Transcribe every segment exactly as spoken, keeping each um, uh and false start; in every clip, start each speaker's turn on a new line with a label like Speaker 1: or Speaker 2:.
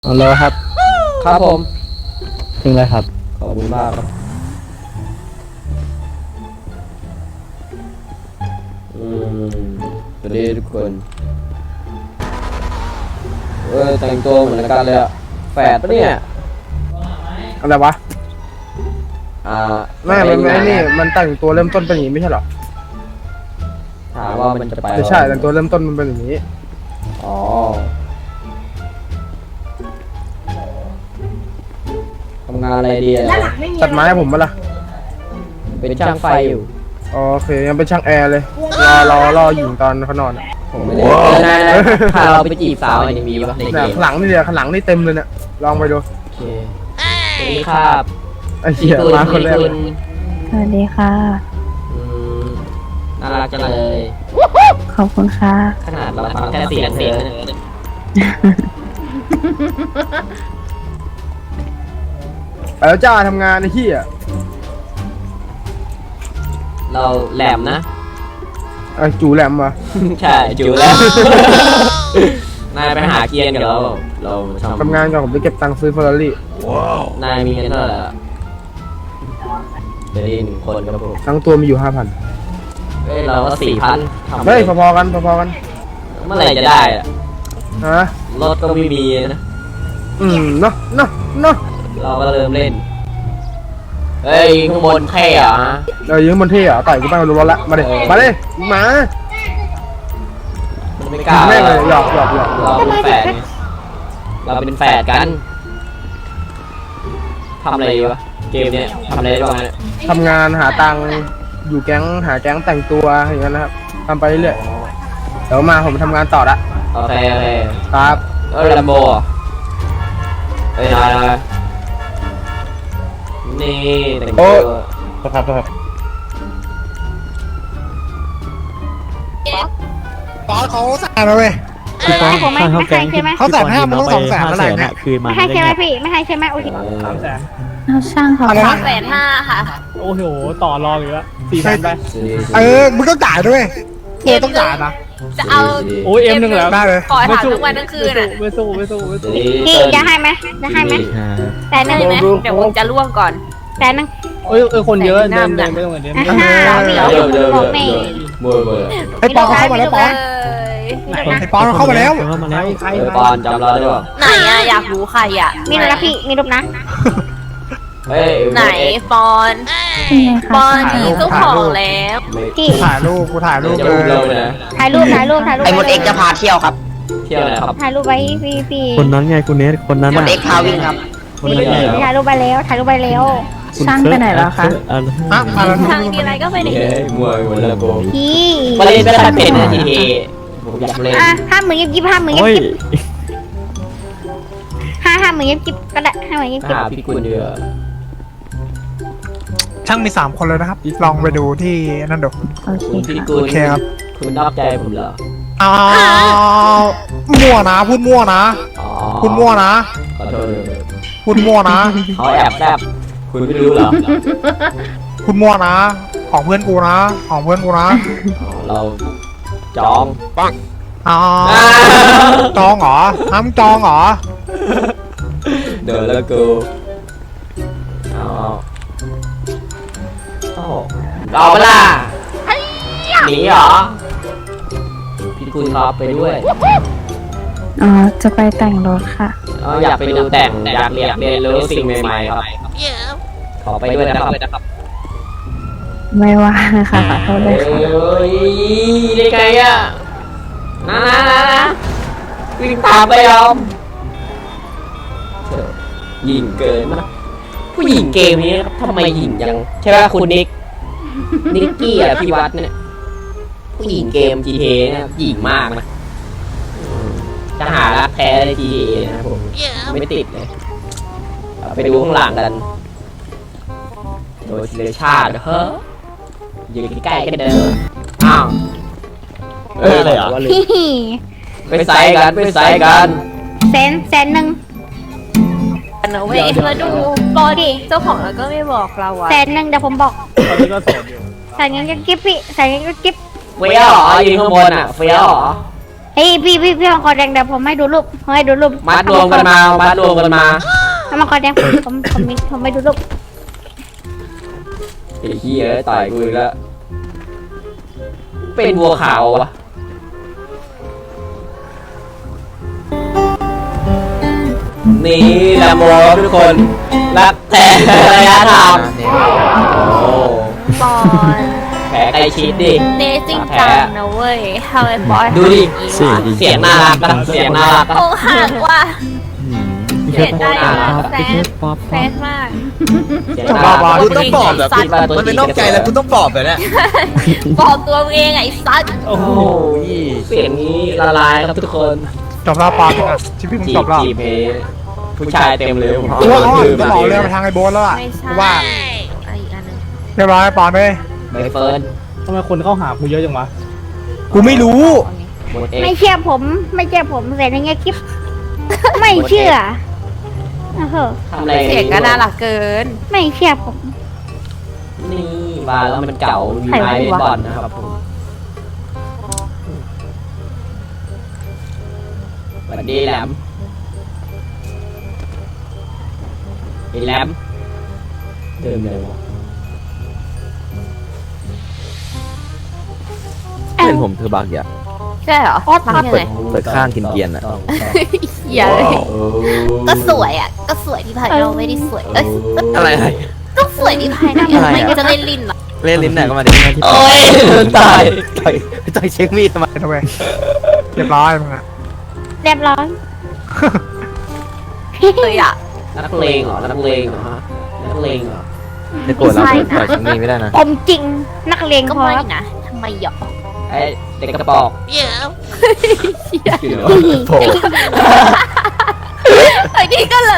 Speaker 1: ฮัลโหลครับ
Speaker 2: ครับผม
Speaker 1: ถึงแล้วครับ
Speaker 2: ขอบคุณมากครับอืมสวัสดีทุกคนเออแต่งตัวเหมือนกันเลยอะแฝดปะเนี่ย
Speaker 1: อะไรวะ
Speaker 2: อ่า
Speaker 1: ไม่ไม่ไม่นี่มันแต่งตัวเริ่มต้นเป็นอย่างนี้ไม่ใช่หรอ
Speaker 2: ถามว่ามันจะไป
Speaker 1: ไม่ใช่แต่งตัวเริ่มต้นมันเป็นอย่างนี้
Speaker 2: อ๋อทำงานอะไรดีอะ
Speaker 1: ตัดไม้ให้ผมปะล่ะ
Speaker 2: เป็นช่างไฟอยู่
Speaker 1: โอเคยังเป็นช่างแอร์เลยรอรอรออยู่ตอนเขานอนอะ
Speaker 2: ผมไม่ได้นายนะถ้าเราไปจีบสาวมันยังมีปะในเก
Speaker 1: เนี่ย
Speaker 2: ม
Speaker 1: ข้างหลังนี่เดียวข้างหลังนี่เต็มเลยเนี่ยลองไปดู
Speaker 2: โอเคสวัสดีครับ
Speaker 1: ไอ้เหี้ยมาคนแรกเลย
Speaker 3: สวัสดีค่ะ
Speaker 2: อืมน่ารักจังเลย
Speaker 3: ขอบคุณค่ะ
Speaker 2: ขนาดเราฟังแค่เสียงเสียง
Speaker 1: ไปแล้วจ้าทำงานไอ้เหี้ย
Speaker 2: เราแหลมนะ
Speaker 1: ไอ้จูแหลมวะ
Speaker 2: ใช่จูแหลมนายไปหาเกียร์กับเราเราทำ
Speaker 1: ทำงานก่อนผมจะเก็บตังค์ซื้อเฟอร์รารี่
Speaker 2: นายมีเงินเท่าไหร่อะเดี๋ยวนี้หนึ่งคนครับผม
Speaker 1: ทั้งตัวมีอยู่ห้าพัน
Speaker 2: เฮ้ยเราก็สี่พันทำ
Speaker 1: เฮ้ยพอๆกันพอๆกัน
Speaker 2: เมื่อไหร่จะได้อะ
Speaker 1: ฮะ
Speaker 2: รถก็ไม่มีนะ
Speaker 1: อืมเนาะเนาะเนาะ
Speaker 2: เราก็เริ่มเล่นเฮ้ยข้างบนแค่เหรอฮะ
Speaker 1: เรายืมบนเที่อ่ะต่อยกูไปมาดูรถละมาดิมาดิมา
Speaker 2: มันไม่กล้า
Speaker 1: แม่งเลยหยอกหยอกหยอก
Speaker 2: เราเป็นแฝดไงเราเป็นแฝดกันทำอะไรดีวะเกมเนี้ยทำอะไรได้บ้างเนี่ย
Speaker 1: ทำงานหาตังค์อยู่แก๊งหาแก๊งแต่งตัวอย่างนั้นนะครับทำไปเรื่อยเดี๋ยวมาผมทำงานต่อละ
Speaker 2: โอเคโอเค
Speaker 1: ครับ
Speaker 2: เออลัมโบเอ้ยนายนายนี่แต่งตัว
Speaker 1: ครับครับ
Speaker 4: ตอนเขาแสนแล้วเว้ย
Speaker 3: ไม่ให้ผมไม่ไม่ให้ใช่ไหม
Speaker 4: เขาแสนห้ามันต้องสองแสนอะไรเนี่ย
Speaker 5: คืนมา
Speaker 3: ไม่ให้ใช่ไหมพี่ไม่ให้ใช่ไหมโอเค
Speaker 2: เออ
Speaker 3: เอาช่างเขา
Speaker 4: อะไร
Speaker 3: ค่ะ
Speaker 4: นะ
Speaker 6: แสนห้าค่ะ
Speaker 5: โอ้โห ต่อรองอีกแล้วสี่แสนไป
Speaker 4: เออมึงต้องจ่ายด้วยเออต้องจ่ายนะ
Speaker 6: จะเอา
Speaker 5: โอ้ยเอ็มหนึ่งแล้ว
Speaker 4: ได้เลย
Speaker 6: ขอถามทั้งวันทั้งคืนอ่ะ
Speaker 5: ไม่สู้ไม่สู้ไม่สู้
Speaker 3: พี่จะให้ไหมจะให้ไหมแต่หนึ่ง
Speaker 6: ได้ไหมเดี๋ยวผมจะล่วงก่อน
Speaker 3: แต่หนึ่ง
Speaker 5: โอ้ยเออคนเยอะเดินเดินไม่ต้องเดิน
Speaker 3: อ่าฮะพี่
Speaker 2: เดี๋ยวเดี๋ยวเดี๋ยว
Speaker 3: บอกแม่
Speaker 2: เบอร์เบอร์
Speaker 4: ไอ้ปอนเขาเข้ามาแล้วปอน
Speaker 6: เลย
Speaker 4: ไอ้ปอนเขาเข้ามาแล้ว
Speaker 5: เข้ามาแล้ว
Speaker 1: ใคร
Speaker 2: เออปอนจำเราได้ป่ะ
Speaker 6: ไหนอะอยากรู้ใครอะ
Speaker 3: มีรูปนะพี่มีรูปนะ
Speaker 2: เฮ้ย
Speaker 6: ไหนปอน
Speaker 3: เป็นไง
Speaker 6: ป
Speaker 3: คะ
Speaker 6: อนมีเจ้าของแล้ว
Speaker 2: ไม่
Speaker 3: พี่
Speaker 4: ถ่ายรูปกูถ่ายรูป
Speaker 2: จะ
Speaker 4: เล
Speaker 2: อุ้มเรา
Speaker 4: ย
Speaker 2: เลยนะ
Speaker 3: ถ่ายรูปถ่ายรูปถ่ายรูป
Speaker 7: ไอ้มดเอ็กจะพาเที่ยวครับ
Speaker 2: เที่ยวนะครับ
Speaker 3: ถ่ายรูปไว้พี่พี่
Speaker 5: คนนั้นไงคุณเนสคนนั้น
Speaker 7: มดเอ็กพาวิ่งครับ
Speaker 5: คนนั้นไง
Speaker 3: ถ่ายรูปไปแล้วถ่ายรูปไปแล้ว
Speaker 5: ช่างไปไหนแล้วคะ
Speaker 4: ฮะอะไร
Speaker 6: ทางทีไรก็ไปไหน
Speaker 2: เฮ้ยมวยมวยละโก
Speaker 3: พี่
Speaker 2: มาเล่นไม่ได้เป็นนะทีทีผมอยากเล่น
Speaker 3: อ่ะห้าหมื่นยิบยิบห้าหมื่นยิ
Speaker 5: โอ้
Speaker 3: บ
Speaker 5: ย
Speaker 3: ยิบห้าห้าหมื่นยิบยิบก็ได้ห้าหมื่นยิบยิบ
Speaker 2: หาพี่กุลเดือ
Speaker 4: ช่างมีสามคนเลยนะครับ ลองไปดูที่นั่นดู
Speaker 3: โอเค
Speaker 2: คุณพี่
Speaker 3: ค่ะ
Speaker 2: กุล
Speaker 4: โอเคครับ
Speaker 2: คุณนอกใจผมเหรอ
Speaker 4: อ้าวมั่วนะพูดมั่วนะ
Speaker 2: อ๋อ
Speaker 4: พูดมั่วนะ
Speaker 2: ขอโทษ
Speaker 4: พูดมั่วนะ
Speaker 2: เขาแอบแซบคุณไม่รู้เหรอ
Speaker 4: พูดมั่วนะ ของเพื่อนกูนะ ของเพื่อนกูนะ
Speaker 2: อ๋อเราจอง
Speaker 4: อ้าวจองเหรอห้ามจองเหรอ
Speaker 2: เดินแล้วกูเอาเอาเอาเปล่าหนีเหรอพี่กุลครับไปด้วย
Speaker 3: อ๋อจะไปแต่งรถค่ะ
Speaker 2: อ๋ออยากไปดูแต่งอยากเรียนเรียนรู้สิ่งใหม่ๆครับขอไปด้วยนะครับ
Speaker 3: ไม่ว่านะคะขอโทษด้วยค่ะ
Speaker 2: เอ้ยได้ไงอ่ะนะนะนะนะวิ่งตามไปยอมหญิงเกินมากผู้หญิงเกมนี้ทำไมหญิงยังใช่ไหมคุณนิกนิกกี้อ่ะพี่วัดเนี่ยผู้หญิงเกม จี ที เอ เนี่ยหญิงมากนะจะหารักแท้ใน จี ที เอ นะครับผมไม่ติดเลยเอาไปดูข้างหลังกันโดยทีละชาติเฮ้ออยู่ใกล้ๆกันเดิมอ้าวเอ้ยอะไรอ่ะ
Speaker 3: พี่
Speaker 2: ไปใส่กันไปใส่กัน
Speaker 3: แสนแสนหนึ่ง
Speaker 6: นะเว้ยแล้วดูปอนเจ้าของแล้วก็ไม่บอกเราอะ
Speaker 3: แสนหนึ่งเดี๋ยวผมบอก
Speaker 5: ตอนนี้ก็โสดอยู่
Speaker 3: ใส่เงินก็กิ๊บพี่ใส่เงินก็กิ๊บ
Speaker 2: เฟี้ยวเหรอยืนข้างบนอ่ะเฟี้ยวเหรอ
Speaker 8: เฮ้ยพี่พี่พี่มังกรแดงเดี๋ยวผมให้ดูรูปผมให้ดูรูป
Speaker 2: มัดรวมกันมามัดรวมกันมา
Speaker 8: ถ้ามังกรแดงผมผมผมมีผมไม่ดูรูป
Speaker 2: ไอ้เหี้ยต่อยกูอีกแล้วเป็นบัวขาววะนี่แลมโบทุกคนรักแต่ระยะทางโอ้
Speaker 6: บอล
Speaker 2: แผลใกล้ชิดดิ
Speaker 6: เนสจริงจังนะเว้ยทำไมบอล
Speaker 2: ดูดิ
Speaker 5: เสียดี
Speaker 2: เสียงน่ารักนะเสียงน่ารักนะ
Speaker 6: โอ้หักว่ะ
Speaker 5: พี่
Speaker 6: เสี
Speaker 5: แค
Speaker 6: ย
Speaker 5: ท
Speaker 6: ใจ
Speaker 5: ป๊อป
Speaker 6: แซ
Speaker 5: พี่แค
Speaker 6: ด
Speaker 5: ทป๊อป
Speaker 6: แซดมาก
Speaker 2: เสียงน่ารัก
Speaker 9: กูต้องปลอบแบบมันเป็นนอกใจแล้วกูต้องปลอบแบบนี้
Speaker 6: บอกตัวมึงเองไอ้สัตว์
Speaker 2: โอ้โหเสียงนี้ละลายครับทุกคน
Speaker 4: จบแล้วปอนอ่ะชีวิตมึง
Speaker 2: จี
Speaker 4: จ
Speaker 2: บบ
Speaker 4: แล้ว
Speaker 2: จีบเฮผู้ชายเต็มเลยผม
Speaker 4: กูว่าอ้อนจะหล่อเรือไปทางไอ้โบ๊ทแล้วอ่ะ
Speaker 6: ไม่ใช่
Speaker 4: กูว่า
Speaker 6: อะไรอีกอันหนึง
Speaker 4: เรียบร้อยปอนไป
Speaker 2: ใบเฟิร์น
Speaker 5: ทำไมคนเข้าหากูเยอะจังวะ
Speaker 4: กูไม่รู้
Speaker 2: หมดเอก
Speaker 8: ไม่เชื่อผมไม่เชื่อผมเสร็จในเงี้ยคลิปไม่เชื่อโอ้โห
Speaker 2: ทำอะไร
Speaker 6: เสียงก็น่ารักเกิน
Speaker 8: ไม่เชื่อผม
Speaker 2: นี่มาแล้วมันเก่ามีไม้เบสบอลนะครับผมสวัสดีแหลมไอ้แหลมเดิมเลยวะ
Speaker 8: เอ้า
Speaker 9: เพื่อนผมคือบักอย่า
Speaker 6: ใช่เหรอ
Speaker 8: ออส
Speaker 6: ทำยังไง
Speaker 9: เปิดข้างกินเกียนอ่ะ
Speaker 6: อย่าเลยก็สวยอ่ะ ก็สวยที่ภายนอกไม่ได้สวยเอ้ย
Speaker 9: อะไรอะไร
Speaker 6: ก็สวยที่ภายใน
Speaker 9: อะไรอะ
Speaker 6: ไม่จะเล่นลิ้นเหรอ
Speaker 9: เล่นลิ้นไหนก็มาดิ
Speaker 2: โอ้ยตาย
Speaker 9: ต่อยต่อยเช็คมีดทำไม
Speaker 4: ทำไมเรียบร้อยมึงอ่ะ
Speaker 8: เรียบร้อย
Speaker 6: เลยอ่ะ
Speaker 2: นักเลงเหรอนักเลงเหรอฮะนักเลงเหรอ
Speaker 9: จะโกรธเราต่อยเช็คมีดไม่ได้นะ
Speaker 8: ผมจริงนักเลง
Speaker 6: ก็
Speaker 8: พอ
Speaker 6: ไม่
Speaker 8: ครับ
Speaker 6: นะทำไมหยอก
Speaker 2: ไอ้เด็กกระปอก
Speaker 6: เยอะ
Speaker 9: โผล่
Speaker 6: ไอ้นี่ก็เลย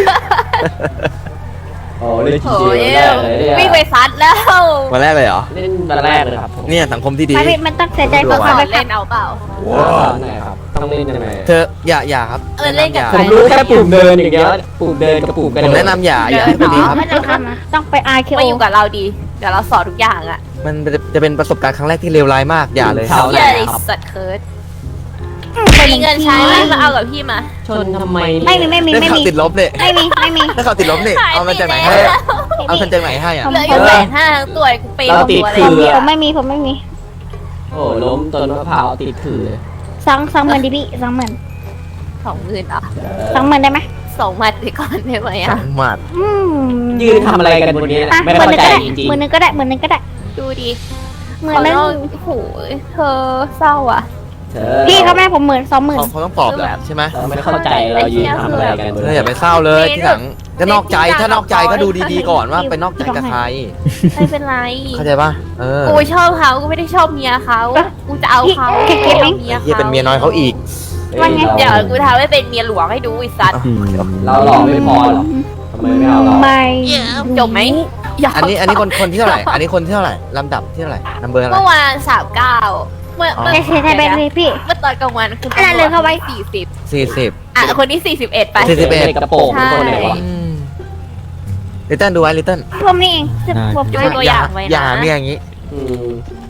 Speaker 2: โอ้เล่นจริง
Speaker 6: โอ้ย
Speaker 2: ๆแรกเลยเนี่ย
Speaker 6: วิ่งไปซัดแล้ว
Speaker 9: วันแรกเลยเหรอ
Speaker 2: เล่นวันแรกเลยครับผม
Speaker 9: เนี่ยสังคมที่ดี
Speaker 8: ไม่มันต้องเสียใจ
Speaker 6: ก็
Speaker 8: ก่อน
Speaker 6: ขอ
Speaker 8: ไป
Speaker 6: เล่นเอาเปล่า
Speaker 2: ว้าวไหนครับต้องเล่นยังไง
Speaker 9: เธออย่าอย่าครับ
Speaker 6: เออเล่นกับ
Speaker 9: อย่า
Speaker 6: ใค
Speaker 2: ผมรู้แค่ปุ่มเดินอย่างเงี้ยปุ่มเดินกับปุ่มกระ
Speaker 9: ผ
Speaker 2: โด
Speaker 9: ม
Speaker 2: ด
Speaker 9: แนะนำอย่าอย่าให้คนดีครับ
Speaker 8: ไม่ต้องทำนะต้องไปอาร์เคโอ
Speaker 6: มาอยู่กับเราดี เดี๋ยวเราสอนทุกอย่างอ่ะ
Speaker 9: มันจะเป็นประสบการณ์ครั้งแรกที่เลวร้ายมากอย่าเลย
Speaker 2: เขา
Speaker 6: เฮียไอ้สัตว์เคิร์ดมีเงินใช้ไหมมาเอากับพี่มา
Speaker 2: ชนทำไม
Speaker 8: ไม่มีไม่มี
Speaker 9: ได้
Speaker 8: ไม่
Speaker 9: ข่าว
Speaker 8: มี
Speaker 9: ติดลบเนี่ย
Speaker 8: ไม่มีไม่มี
Speaker 9: ได้ข่าวติดลบเนี่ยเอามาจากไหนให้อะเอามาจากไหนให้อ่ะ
Speaker 6: เหลืออยู่แสนห้าทั้งตัวกูเปย์
Speaker 2: เรา
Speaker 6: หมด
Speaker 2: ติด
Speaker 6: ตัวเลย
Speaker 2: คือ
Speaker 8: ผมไม่มีผมไม่มี
Speaker 2: โอ้ล้มต้นมะพร้าวติดถือ
Speaker 8: สองสองหมื่นดิพี่สองหมื่น
Speaker 6: สองหมื่นอ่ะ
Speaker 8: สองหมื่นได้ไหม
Speaker 6: สองหมัดไปก่อนได้ไหม
Speaker 9: สอ
Speaker 6: อ่ะ
Speaker 9: งหมัด
Speaker 8: อืม
Speaker 2: ยืนทำอะไรกันบนนี้
Speaker 8: อ่ะ
Speaker 2: ไม่
Speaker 8: หมื่น
Speaker 2: เข้า
Speaker 8: หนึ่ง
Speaker 2: ใจ
Speaker 8: ก็ได้
Speaker 2: จริง
Speaker 8: หมื่นหนึ่งก็ได้หมื่นหนึ่งก็ได้
Speaker 6: ดูดิ
Speaker 8: หมื่นหนึ่ง
Speaker 6: โอ้โหเธอเศร้าอ่ะ
Speaker 2: ๆเธอ
Speaker 8: พี่เขาแม่ผมหมื่นสองหมื่น
Speaker 9: เขาเขาต้องปลอบแหละใช่ไหม
Speaker 2: เราไม่เข้าใจเรายืนทำอะไรกันบน
Speaker 9: เธอ
Speaker 2: นี้
Speaker 9: อย่าไปเศร้าเลยที่หลังจะนอกใจถ้านอกใจก็ดูดีๆก่อนว่าไปนอกใจกับใคร
Speaker 6: ไม่เป็นไร
Speaker 9: เข้าใจป่ะเออ
Speaker 6: กูชอบเขากูไม่ได้ชอบเมียเขากูจะเอาเขา
Speaker 8: พี่เก็บเอง
Speaker 6: เมีย
Speaker 9: เฮียเป็นเมียน้อยเขาอีก
Speaker 8: ว่าไง
Speaker 6: เดี๋ยวกูทำให้เป็นเมียหลวงให้ดูไอ้สัตว์
Speaker 2: เราหล่อไม่พอหรอทำไมไม่เอาเรา
Speaker 8: ไม่
Speaker 6: จบไหมยาว
Speaker 9: อันนี้อันนี้คนคนที่เท่าไหร่ อันนี้คนที่เท่าไหร่ลำดับที่เท่าไหร่นัมเบอร์อะไร
Speaker 6: เมื่อวานสามเก้าเมื่อเมื่อ
Speaker 8: ใช่ใช่ใช่ไปเลยพี่
Speaker 6: เมื่อตอนกลางวันคุณ
Speaker 8: อะไรเลยเข้าไว้
Speaker 6: สี่สิบ
Speaker 9: สี่สิบ
Speaker 6: อ่ะคนนี้สี่สิบเอ็ดไป
Speaker 9: สี่สิบเอ็ด
Speaker 2: กระโปรงคนไหนวะ
Speaker 9: ลิตเติ้ลดูไว้ลิตเติ้ล
Speaker 8: ผมนี่เองผม
Speaker 6: ดูตัวอย่างไว้นะ
Speaker 9: อย่าเมียอย่างนี้
Speaker 2: อืม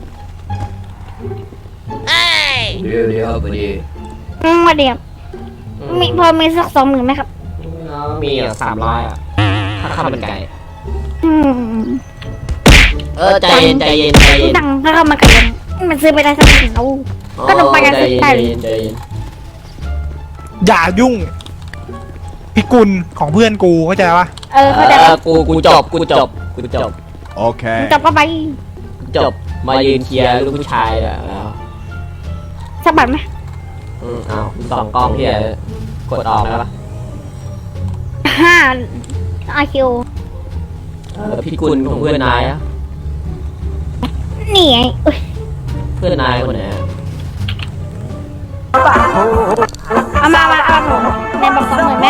Speaker 6: เอ้ย
Speaker 2: เดี๋ยวเดี๋ยวพอดี
Speaker 8: อืมมาเดียวมีพอมีสักสองหมื่นไหมครับ
Speaker 2: มีอ่ะสามร้อยอ่ะถ้าข้าวมันไก่
Speaker 8: อืม
Speaker 2: เออใจเย็นใจเย็นใจเย็น
Speaker 8: ดังถ้าเข้ามากันมันซื้อไปได้สักหนึ่งเอา ก็ต้องไปกัน
Speaker 2: ใจ
Speaker 8: สิ
Speaker 2: เย็น
Speaker 8: ไป
Speaker 2: ใจเย็นใจเย็น
Speaker 4: อย่ายุ่งพิกุลของเพื่อนกูเข้าใจปะ
Speaker 8: เออเข้าใจ
Speaker 2: เอ
Speaker 8: ปะ
Speaker 2: อกูกูจบกูจบกูจบ
Speaker 5: โอเค
Speaker 8: จบก็ไป
Speaker 2: จบมายืนเคลียร์ลูกผู้ชายแล้ว
Speaker 8: สักบาทไหม
Speaker 2: อืมเอาสองกล้องเฮียกดออกแล้วปะ
Speaker 8: ห้าอาคิว
Speaker 2: เออพี่กุลของเพื่อนนายอะ
Speaker 8: นี่ไงอุ๊ย
Speaker 2: เพื่อนนายคนไหนอะ
Speaker 8: เอามามาเอาผมในบอกสองหมื่นได้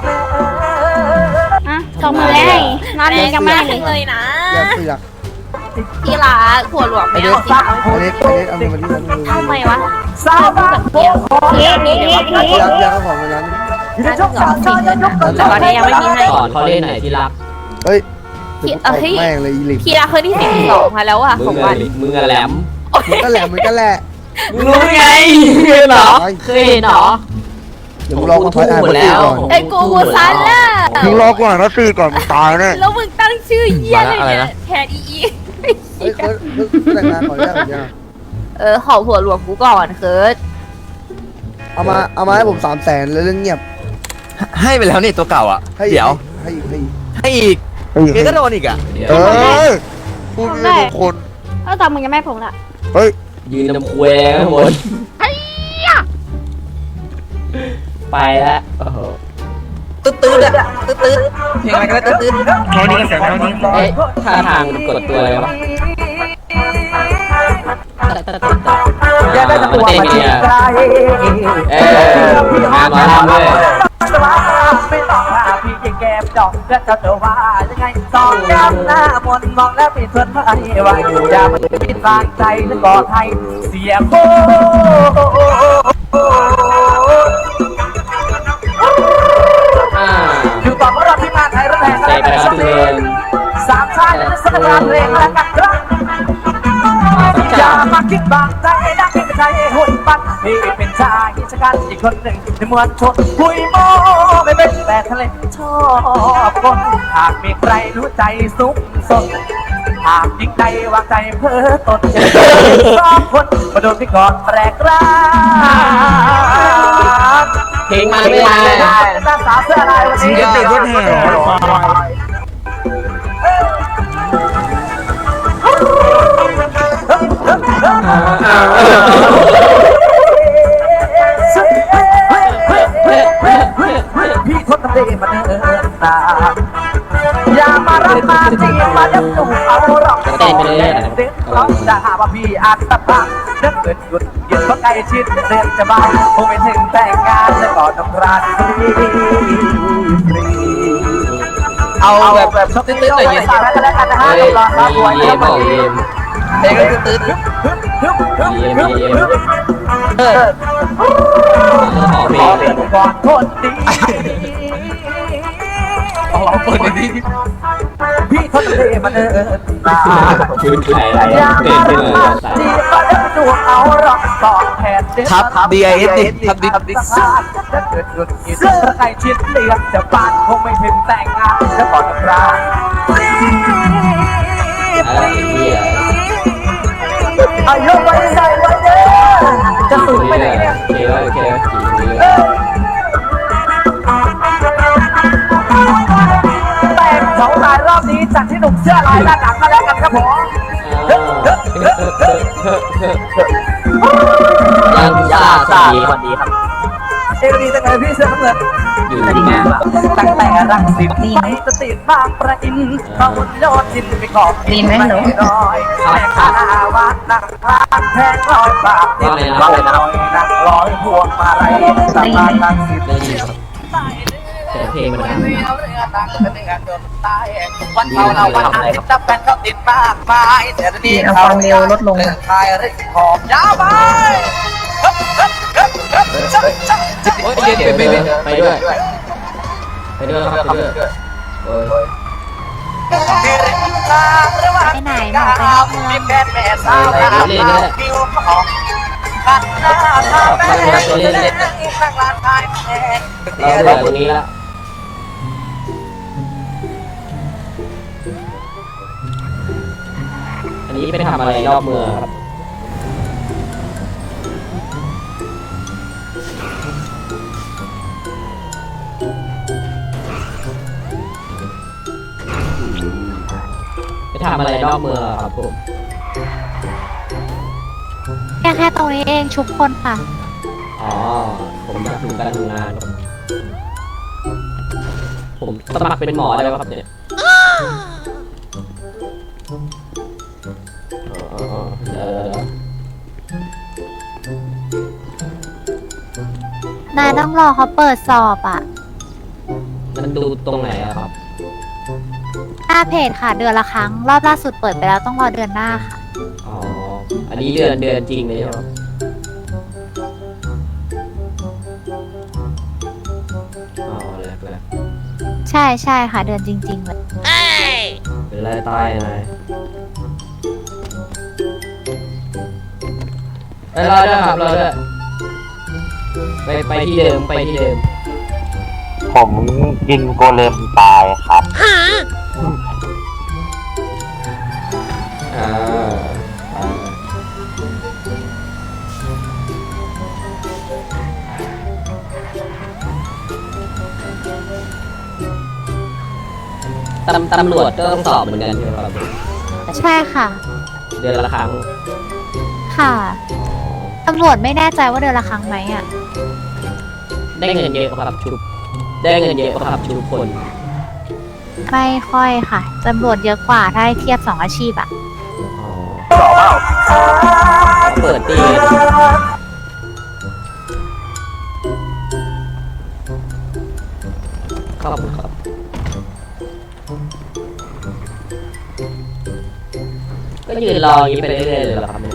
Speaker 8: อ่ะสองหมื่นได้นอนเล่นกันมากเลย
Speaker 6: เลยนะ
Speaker 1: อย่าเสือก
Speaker 6: ที่รักผัวหลวงไม่เอาสิ
Speaker 1: อันนี้อันนี้เอามาดิมัน
Speaker 6: ทำไมวะเศร้าแบบเดียว
Speaker 8: เฮ้ยเฮ้ยเฮ้ยเฮ้ย
Speaker 1: ยักยักของมันนั้น
Speaker 6: น่าจะเหงาจริงเลยนะแต่ตอนนี้ยังไม่มีให้
Speaker 2: สอนเขาเล่นไหนที่รัก
Speaker 1: เฮ้ย
Speaker 6: พี่
Speaker 1: เดี๋ยว
Speaker 6: เอ้
Speaker 1: กูตบ
Speaker 6: ย
Speaker 1: แม่งเลยอีลิก
Speaker 6: พี่รักเคยที่สิบสองมาแล้วอ่ะ
Speaker 2: มึ
Speaker 6: ของ ง
Speaker 2: อะ
Speaker 6: วัน
Speaker 2: มึงอะแหลม
Speaker 1: มันก็แหละมันก็แหละ
Speaker 2: มึงรู้ไงเคยเหรอเคยเห็นเหรอ
Speaker 10: เดี๋ยวมึงรอกูถอยอ่าน
Speaker 2: หม
Speaker 10: มา
Speaker 2: ด
Speaker 10: ตี
Speaker 2: แล้ว
Speaker 10: ก่อน
Speaker 6: ไอ้กูกูซันล่ะ
Speaker 10: มึงรอกูอ่านมาตีก่อนมึงตายแน่
Speaker 6: แล้วมึงตั้งชื่อเยี่ยเลยเนี่ยแทนอีอี
Speaker 10: เฮ้ยเคิร์ดเคิร์ดแต่งงานก่อนยังยัง
Speaker 6: เออขอผัวหลวงกูก่อนเคิร์ด
Speaker 10: เอามาเอามาให้ผมสามแสนแล้วเรื่องเงียบ
Speaker 9: ให้ไปแล้วนี่ตัวเก่าอ่ะ
Speaker 10: ให้
Speaker 9: เดี๋ยว
Speaker 10: ให้อีกให้อีก
Speaker 9: ให้อีก
Speaker 10: ให้อีก
Speaker 9: เกก็โดนอีกอ่ะ
Speaker 10: เออพูดไม่ถูกคน
Speaker 8: เออตอนมึงยังไม่ให้ผมละ
Speaker 10: เฮ้ย
Speaker 2: ยืนน้ำคุยข้างบนไปแล้วโอ้โห
Speaker 7: ตื้อตื้ออะตื้อตื้อเพลงอะไรก็ได้ตื้อตื้อ
Speaker 4: แค่นี้ก็เสร็จแล้วนี่
Speaker 2: เอ๊ะท่าทางกดตัวอะไรวะอย่าได้ตะกัวมาจีบใครเอองานหมอลำเลย
Speaker 7: ไม่ต้องพาพี่แก้มดอกแล้วจะเจอว่ายังไงสองแก้มหน้ามนมองแล้วปิดเพื่อนไว้ไว้อย่ามาปิดบางใจแล้วก็ไทยเสียโค
Speaker 2: อ่า
Speaker 7: อยู่ต่อเมื่อเราที่มาไทยรัฐแห่ง
Speaker 2: ใจไปครับทุกคน
Speaker 7: สามชาติจะสร้างเพลงและกันครับอย่ามาคิดบางใจนักเป็นใจหุ่นปั้นพี่เป็นชายกิจการอีกคนหนึ่งในมวลชนคุยโม้ไม่เป็นแต่ทะเลชอบคนหากมีใครรู้ใจสุขสนหากยิ่งใจวางใจเพ้อตนสองคนมาโดนพี่กอดแปลกร้า
Speaker 2: เพลงมาไม่ได้
Speaker 7: หน้าสาวเสื้อลายวันนี้
Speaker 4: เดี๋ยวติดรถแห่
Speaker 7: พี่ทนทำได้มาเดินตาอย่ามารับมาจีบมาดับตูเอาหรอกเต้นไปเลยเด็กร้องจะหาว่าพี่อาจตะพังเดินเกิดหยุดหยุดเพราะใกล้ชิดเรียนจะบ้าคงไม่ถึงแต่งงานแล้วก็ต้องรักฟรีเอาแบบแบบชอบตื้นๆหน่อยเย็นๆแล้วกันนะฮะ
Speaker 2: เฮ้ย
Speaker 7: รอครับไว้
Speaker 2: เยี่ยมบอกเยี่ยม
Speaker 7: เพลงก็คือตื้น
Speaker 2: เยี่ยมเยี่ยม
Speaker 7: เออ
Speaker 2: ขอเพล
Speaker 7: ของ เป็นก่อนโทษดี
Speaker 4: เอาเอาเปิดในที่
Speaker 7: พี่ทนเทมาเดินตา
Speaker 2: พื้นไข่
Speaker 7: อย่า
Speaker 2: เต้น
Speaker 7: มา
Speaker 2: ขึ้นเลย
Speaker 7: จีบมาเดินดวงเอาหรอกตอบแทนเด็ด
Speaker 9: ทับ ดี ไอ เอส ดิ ทับดิ
Speaker 7: ทับดิถ้าเกิดหยุดกินถ้าใครชิดเลือกจะบ้านคงไม่ถึงแต่งงานแล้วก่อนจะรัก
Speaker 2: อะไรเหี้ย
Speaker 7: อายุไว้ใจไว้เด้อจะสูงไปไหนเนี่ย
Speaker 2: โอเคโอเคโอเค
Speaker 7: แต่งสองรายรอบนี้จัดที่หนุ่มเสื้อลายหน้าหนังก็แล้วกันครับผม
Speaker 2: ยังซ่าสวัสดี
Speaker 7: สวัสดีครับเอรีจังเลยพี่เสื้อน้ำเงิน
Speaker 2: อยู่
Speaker 7: ตั้ง
Speaker 2: ที่
Speaker 7: แต่ตั้งแต่รังสิตไปสติบางประอินเขาโยนทินไปขอบดีไหมหนูร้อยแม่ข้าวัดนั่งพานแพงร้อยบาทร้อยร้อยนั่งร้อยพวงมาลัยสะพานรังสิต
Speaker 2: ได้ยินครับแต่เพลงมันดัง
Speaker 7: วันเผาเราวันอาทิตย์จะเป็นก็ติดมากมายแต่นี่ความเร็วลดลงคลายเรื่องหอมยาวไป
Speaker 2: โอ้ยเดี๋ยวไปด้วยไปด้วยไปด้วยครับไปด้วยโอ้ย
Speaker 8: ไปไหนหมอไปนอกเมือง
Speaker 7: แม่แม่สาวผิวหอมขัดหน้าทางแม่ข้างลานทายแม่
Speaker 2: เราเหลือตรงนี้ละอันนี้ไปทำอะไรนอกเมืองครับไปทำอะไรนอกเมืองครับผม
Speaker 3: แค่แค่ตรงนี้เองชุบคนค่ะ
Speaker 2: อ๋อ ผมอยากดูการทำงานครับผมสมัครเป็นหมอได้ไหมครับเนี่ยอ๋อเดี๋ยว
Speaker 3: นายต้องรอเขาเปิดสอบอ่ะ
Speaker 2: มันดูตรงไหนอะครับ
Speaker 3: หน้าเพจค่ะ เดือนละครั้ง รอบล่าสุดเปิดไปแล้วต้องรอเดือนหน้าค่ะ
Speaker 2: อ๋อ อันนี้เดือนเดือนจริงเลยใช่ไหมอ๋อแรกแรก
Speaker 3: ใช่ใช่ค่ะ เดือนจริง ๆ เลย
Speaker 2: เป็นไรตายนายเอ้ยรอด้วยครับรอด้วยไปไปที่เดิมไปที่เดิม
Speaker 11: ผมยิงโกเลมตายครับ
Speaker 2: อ่าตำตำรวจก็ต้องสอบเหมือนกันใช่ไหมครับ
Speaker 3: ใช่ค่ะ
Speaker 2: เดือนละครั้ง
Speaker 3: ค่ะตำรวจไม่แน่ใจว่าเดือนละครั้งไหมอ่ะ
Speaker 2: ได้เงินเยอะครับชุบได้เงินเยอะครับชุบคน
Speaker 3: ไม่ค่อยค่ะตำรวจเยอะกว่าถ้าให้เทียบสองอาชีพอ่ะ
Speaker 2: เปิดตีขอบคุณครับก็ยืนรออย่างนี้ไปเรื่อยๆเลยเหรอครับเนี่ย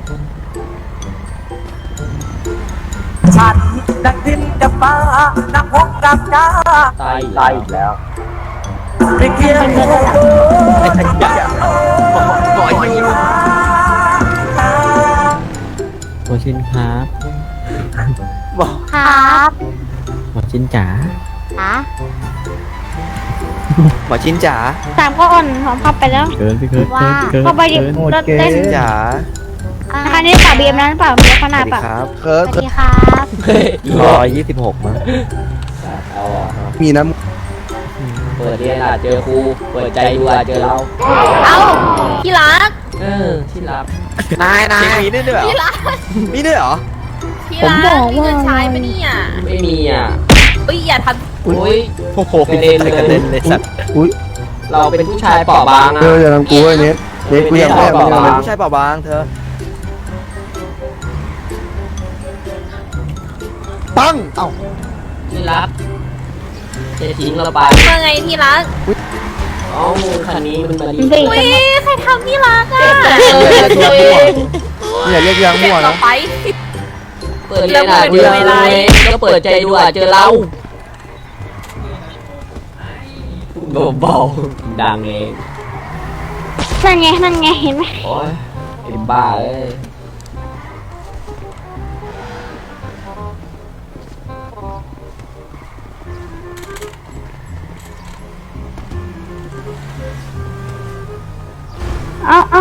Speaker 7: ฉันดังดินกับฟ้านักพกกับกา
Speaker 2: ตาย
Speaker 11: ตายอีกแล้ว
Speaker 7: ไม่เกี่ยว
Speaker 9: ไอ้ทักยะปล่อยยิง
Speaker 5: หมอชินครับ
Speaker 3: ครับ
Speaker 5: หมอชินจ๋า
Speaker 3: ค่ะ
Speaker 9: หมอชินจ๋า
Speaker 8: สามก็อ่อนหอมพับไปแล้ว
Speaker 5: เกินพี่เกิน
Speaker 3: ว่า
Speaker 5: เกิน
Speaker 8: เข้าไปดิ
Speaker 5: เกิน
Speaker 8: รถเต้น
Speaker 9: จ๋า
Speaker 3: อ่า
Speaker 8: อันนี้ป่าเบียมนั้นเปล่าเบียมข
Speaker 9: ส
Speaker 8: นา
Speaker 9: วั
Speaker 8: ด
Speaker 9: สดี
Speaker 8: เปล่า
Speaker 9: ครับ
Speaker 10: เคิ
Speaker 3: ส
Speaker 10: ร์ฟ
Speaker 3: วัสดีครับ
Speaker 2: เฮ้ย
Speaker 9: ร้อยยี่สิบหกมา
Speaker 2: เอาอ่ะ
Speaker 10: มีน้
Speaker 2: เปิดเรียนอาจเจอครูเปิดใจดูอาจเจอเรา
Speaker 6: เอ้าที่รัก
Speaker 2: เออที่รับ
Speaker 9: นายนายมีด้วยเหรอ
Speaker 6: ที่รัก
Speaker 9: มีด้วยเหรอ
Speaker 6: ที่รักมีเงินใช้ปะเนี่ย
Speaker 2: ไม่มีอ่ะ
Speaker 6: เอ้ยอย่าท
Speaker 2: โอ้ย
Speaker 9: โอ้โห
Speaker 2: กระเด็นเลย
Speaker 9: กระเด็นเลยสัตว์
Speaker 10: ำอุ้ย
Speaker 2: เราเป็นผู้ชายเปราะบาง
Speaker 10: เธ
Speaker 2: อ่ะ
Speaker 10: ออย่าทำกูไอ้เน็ตเน็ตกูอยากแม่มึง
Speaker 2: ไม่
Speaker 10: อะ
Speaker 2: ได้
Speaker 10: ไร
Speaker 9: ผู้ชายเปล่าบางเธอ
Speaker 10: ปังเอ้า
Speaker 2: ที่รักจะทิ้งเราไป
Speaker 6: ำเมื่อไงที่รัก
Speaker 2: เอ้าคันนี้มันมาดี
Speaker 8: เบรก
Speaker 6: อุ้ยใครทำที่รักอ่ะ
Speaker 10: เนี่ยเรียกยาง
Speaker 6: เก็บ
Speaker 10: มั่ว
Speaker 6: ต่อ
Speaker 10: นะ
Speaker 6: ไป
Speaker 2: เปิดเรียนอาจเจอเราก็เปิดใจดูอาจเจอเราเบาๆดังเอง
Speaker 8: นั่นไงนั่นไงเห็นไหม
Speaker 2: โอ้ยเป็นบ้าเลย
Speaker 8: เอาเอา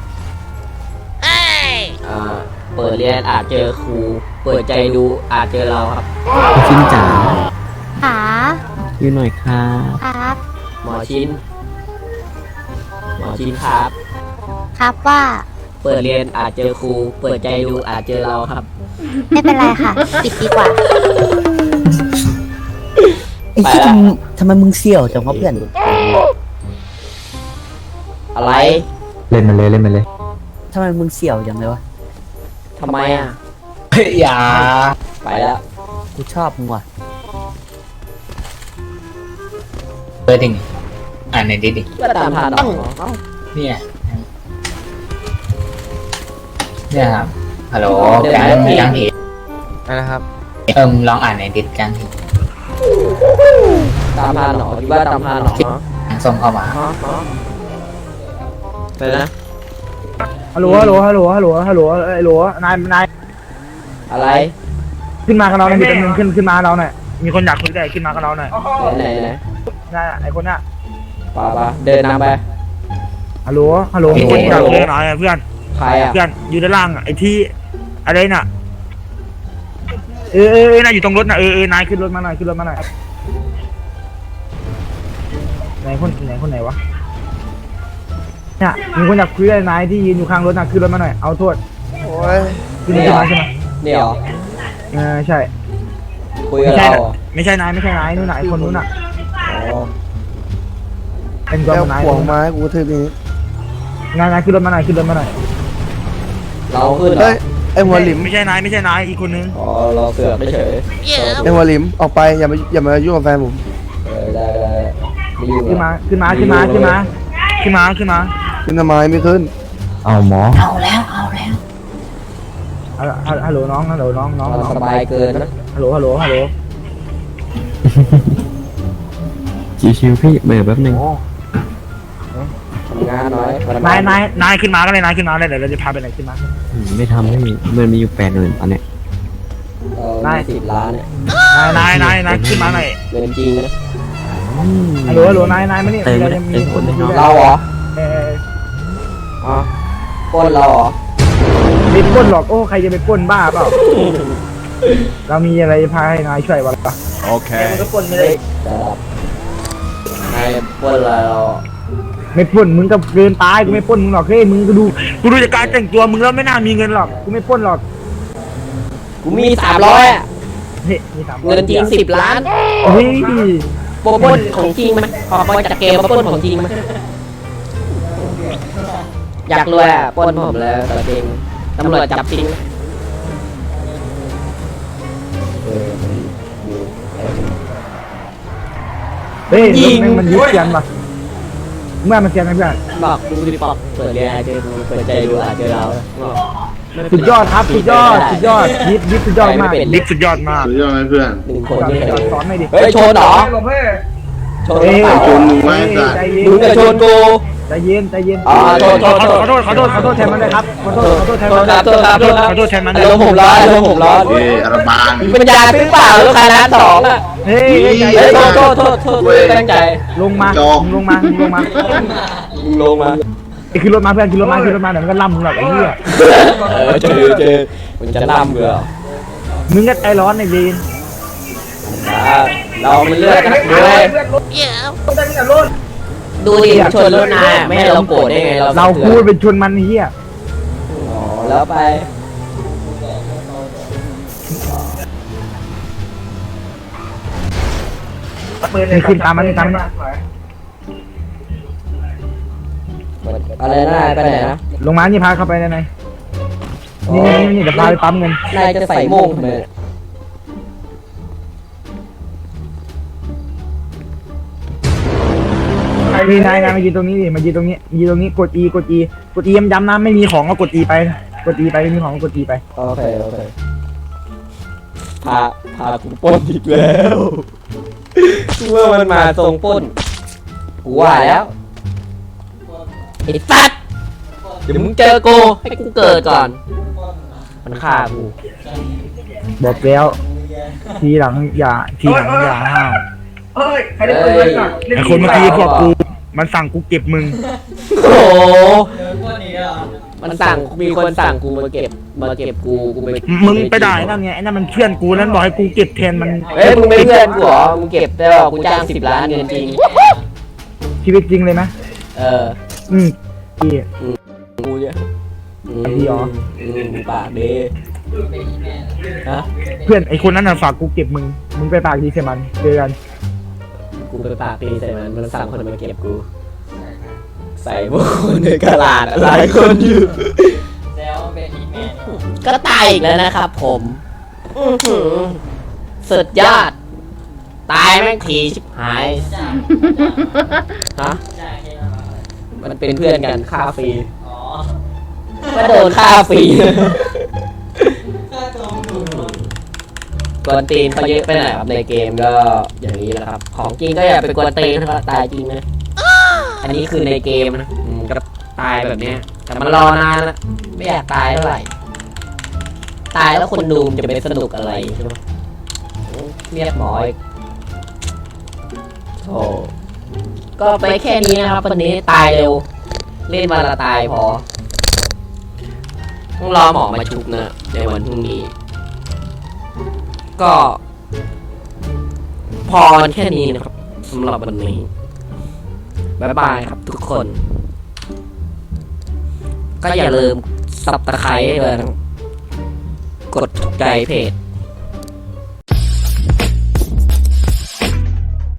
Speaker 2: อ่าเปิดเรียนอาจเจอครูเปิดใจดูอาจเจอเราครับ
Speaker 5: หมอชินจ๋า
Speaker 3: ขา
Speaker 5: ยืนหน่อยครับ
Speaker 3: ครับ
Speaker 2: หมอชินหมอชินครับ
Speaker 3: ครับว่า
Speaker 2: เปิดเรียนอาจเจอครูเปิดใจดูอาจเจอเราครับ
Speaker 3: ไม่เป็นไรค่ะ ปิดดีกว่า
Speaker 2: ไอ้ที่ทำ
Speaker 5: ทำไมมึงเสี่ยวจังวะเพื่อน
Speaker 2: อะไร
Speaker 5: เล่นมาเลยเล่นมาเลยทำไมมึงเสี่ยวจังเลยวะ
Speaker 2: ทำไมอ่ะ
Speaker 4: อย่า
Speaker 2: ไปแล้ว
Speaker 5: กูชอบมึงว่ะ
Speaker 4: เปิดดิอ่านในดิดิ
Speaker 2: ก็ตามทันเหรอเอ้า
Speaker 4: เนี่ยเนี่ยครับฮัลโหล
Speaker 2: เดี๋ยว
Speaker 4: แก
Speaker 2: นะ
Speaker 4: งมีจังที
Speaker 9: นะครับ
Speaker 4: เอิมลองอ่านในดิสกันที
Speaker 2: ตามทันเหรอคิดว่าตามทันเหรอ
Speaker 4: ส่งเข้ามา
Speaker 2: ฮะฮะไปนะ
Speaker 1: ฮัลโหลฮัลโหลฮัลโหลฮัลโหลฮัลโหลไอ้โหลนายนาย
Speaker 2: อะไร
Speaker 1: ขึ้นมากับเราหน่อยมีตัวนึงขึ้นขึ้นมากับเราหน่อยมีคนอยากคุยด้วยขึ้นมากับเราหน่อย
Speaker 2: ไหนไหนไหน
Speaker 1: นั่นไอ้คนน่ะ
Speaker 2: ป่าป่าเดินนำไป
Speaker 1: ฮัลโหลฮัลโหลมีคนอยากคุยหน่อยเพื่อน
Speaker 2: ใครอ่ะ
Speaker 1: เพื่อนอยู่ด้านล่างไอ้ที่อะไรน่ะเออเออเออนายอยู่ตรงรถน่ะเออเออนายขึ้นรถมาหน่อยขึ้นรถมาหน่อยไหนคนไหนคนไหนวะเนี่ยมีคนอยากคุยด้วยนายที่ยืนอยู่ข้างรถน่ะขึ้นรถมาหน่อยเอาโทษ
Speaker 10: โอ้ย
Speaker 1: ขึ้นรถมาใช่ไหม
Speaker 2: เดี๋ยว
Speaker 1: เออใช่
Speaker 2: คุยกั
Speaker 1: ไม่
Speaker 2: บ
Speaker 1: ใช่
Speaker 2: เรา
Speaker 1: น่ะไม่ใช่นายไม่ใช่นายนู่นน่ะไอ้คนนู้นน่ะ
Speaker 2: อ๋อ
Speaker 1: เป็นตัว
Speaker 10: แก้ว
Speaker 1: ของนาย
Speaker 10: ขวงไม้กูทืบนี้
Speaker 1: นายนายขึ้นรถมาหน่อยขึ้นรถมาหน่อย
Speaker 2: เราขึ้นเหรอ
Speaker 10: เฮ้ยไอ้หัวหลิม
Speaker 1: ไม่ใช่นายไม่ใช่นายอีกคนนึง
Speaker 2: อ๋อเราเสือกไม่เฉย
Speaker 10: ไอ้หัวหลิมออกไปอย่ามาอย่ามายุ่งกับแฟนผม
Speaker 2: เออได้ได้ไม่อยู่
Speaker 1: ขึ้นมาขึ้นมาขึ้นมาขึ้นมาขึ้นมาขึ้นมา
Speaker 10: ขึ้นทำไมไม่ขึ้น
Speaker 5: เอาหมอ
Speaker 1: ฮัลโหลฮัลโหลน้องฮัลโหลน้องน้อง
Speaker 2: เรา
Speaker 1: น้อง
Speaker 2: สบายเกินนะ
Speaker 1: ฮัลโหลฮัลโหลฮัลโหล
Speaker 5: ชิวๆพี่เบรกแป๊บนึง
Speaker 2: ทำงานน้อย
Speaker 1: นายนายนายขึ้นมาก็เลยนายขึ้นมาเลยเดี๋ยวเราจะพาไปไหนขึ้นมา
Speaker 5: ไม่ทำให้มันมีอยู่แปดหมื่นตอนเนี้ย
Speaker 2: เออได้สิบล้านเนี่ย
Speaker 4: นายนายนายขึ้นมาหน่อย
Speaker 2: เงินจริงนะ
Speaker 4: ฮัลโหลฮัลโหลนายนายมาเนี่ยมีอะไรมีคนคุยด้วย
Speaker 2: เราเหรอ
Speaker 4: เออ
Speaker 2: อ๋อปล้นเราเหรอ
Speaker 4: ไม่ปล้นหรอกโอ้ใครจะไปปล้นบ้าเปล่าเรามีอะไรพาให้นายช่วยวะล่ะ
Speaker 9: โอเค
Speaker 4: มันก็ปล้นไม่ได้
Speaker 2: จะรับนายปล้นอะไรเรา
Speaker 4: ไม่ปล้นมึงก็เกินตายกูไม่ปล้นมึงหรอกเฮ้ยมึงก็ดูกูดูจากการแต่งตัวมึงแล้วไม่น่ามีเงินหรอกกูไม่ปล้นหรอก
Speaker 2: กูมีสามร้อยอ่ะ
Speaker 4: เฮ้ยมีสาม
Speaker 2: เงินจริงสิบล้าน
Speaker 4: เฮ้ย
Speaker 2: ปล้นของจริงไหมออกมาจากเกมมาปล้นของจริงไหมอยากรวยอ่ะปล้นผมเลยแต่จริงตำรวจจับจริงเออ
Speaker 4: เฮ้ยรถแม่งมันยึดเสียนป่ะเมื่อมันเสียนไหมเพื่อน
Speaker 2: บอกดูดิบอกเปิดเรียนเจอเปิดใจดูอ่ะเจอเรา
Speaker 4: สุดยอดครับสุดยอดสุดยอดยิบยิบสุดยอดมากยิบสุดยอดมาก
Speaker 11: สุดยอดไหมเพื่อน
Speaker 2: หนึ่งคนนี่
Speaker 4: สอนสอนไม่ดิ
Speaker 2: เฮ้ยชนเหรอชนหรือเปล่า
Speaker 11: ชนมึงไว้สัตว์
Speaker 4: ใจเย็น
Speaker 2: มึงจะชนกู
Speaker 4: ใจเย็นใจเย็น
Speaker 2: อ๋อโทษโทษ
Speaker 4: ขอโทษขอโทษขอโทษแทนมันเลยครับขอโทษขอโทษแทนมัน
Speaker 2: ครับโทษครับโทษครับ
Speaker 4: ขอโทษแทนมันเล
Speaker 2: อาย รมณ์ผมร้อนอารมณ์ผมร้อน
Speaker 11: เอ้ยอาราบาน
Speaker 2: มีปัญญาซื้อเปล่าลูกค้าร้านสองอ่ะ
Speaker 4: เฮ้ยใจ
Speaker 2: เฮ้
Speaker 4: เย็
Speaker 2: ย
Speaker 4: น
Speaker 2: โทษโทษโทษโทษตั้งใจ
Speaker 4: ลงมาลงมาลงมา
Speaker 2: มึงลงมา
Speaker 4: ไอ้ขึ้นรถมาเพื่อนขึ้นรถมาขึ้นรถมาเดี๋ยวมันก็ล่ำมึงหรอกไอ้เหี้ย
Speaker 2: เออเจอเจอมึงจะล่ำเกลือ
Speaker 4: มึงก็ใจร้อนไอ้เวน
Speaker 2: เรามันเลือกกันด้วยดูดิชนรถนายไม่ให้เราโกรธได้ไงเรา
Speaker 4: เราพูดเป็นชนมันไอ้เหี้ย
Speaker 2: อ๋อแล้วไป
Speaker 4: นี่ขึ้นตามมันนี่ตามมัน
Speaker 2: อะไรนะไปไหนนะ
Speaker 4: ลงมานี่พาเข้าไปได้ไหมนี่นี่นี่เดี๋ยวพาไปปั๊มเงิน
Speaker 2: นายจะใส่โม่งทำไม
Speaker 4: นี่นายนายมายืนตรงนี้ดิมายืนตรงนี้ยืนตรงนี้กด E กด E กด E ย้ำๆนะไม่มีของก็กด E ไปกด E ไปไม่มีของก็กด E ไป
Speaker 2: โอเคโอเคพาพากูปล้นอีกแล้วเมื่อมันมาทรงปล้นกูว่าแล้วไอ้สัตว์เดี๋ยวมึงเจอกูให้กูเกิดก่อนมันฆ่ากู
Speaker 4: บอกแล้วทีหลังอย่าทีหลังอย่าห้าว
Speaker 2: เฮ้ย
Speaker 4: ไอ้คนเมื่อกี้พวกกูมันสั่งกูเก็บมึง
Speaker 2: โอ้โหมันสั่งมีคนสั่งกูมาเก็บมาเก็บกูกูไป
Speaker 4: มึงไปด่าไอ้นั่นไงไอ้นั่นมันเพื่อนกูนั่นบอกให้กูเก็บแทนมัน
Speaker 2: เฮ้ยมึงไม่เพื่อนกูเหรอมึงเก็บได้หรอกูจ้างสิบล้านเงินจริง
Speaker 4: ชีวิตจริงเลยนะ
Speaker 2: เออ
Speaker 4: อืมพี่
Speaker 2: กูเนี่ย
Speaker 4: ไอ้พี่อ๋อ
Speaker 2: อืมปากดีฮะ
Speaker 4: เพื่อนไอ้คนนั้นน่ะฝากกูเก็บมึงมึงไปปากดีใส่มันเจอกัน
Speaker 2: กูไปปากดีใส่มันมันสั่งคนมาเก็บกู ใส่พวกคนในกระดาษหลายคนอยู่ก็ตายอีกแล้วนะครับผมอื้อหือสุดยอด ตายแม่งทีชิบหายฮะมันเป็นเพื่อนกันฆ่าฟรีก็โดนฆ่าฟรีกวนตีนเขาเยอะไปหน่อยครับในเกมก็อย่างนี้นะครับ ของจริงก็อย่าไปกวนตีนนะครับตายจริงนะอันนี้คือในเกมนะอืมก็ตายแบบเนี้ยแต่มันรอนานนะไม่อยากตายเท่าไหร่ตายแล้วคนดูมันจะไปสนุกอะไรใช่ไหมเรียกหมออีกโธ่ก็ไปแค่นี้นะครับวันนี้ตายเร็วเล่นวันละตายพอต้องรอหมอมาชุบนะในวันพรุ่งนี้ก็พอแค่นี้นะครับสำหรับวันนี้บ๊ายบายครับทุกคน ก็อย่าลืมสับตะไคร้ด้วยนะกดถูกใจเพจ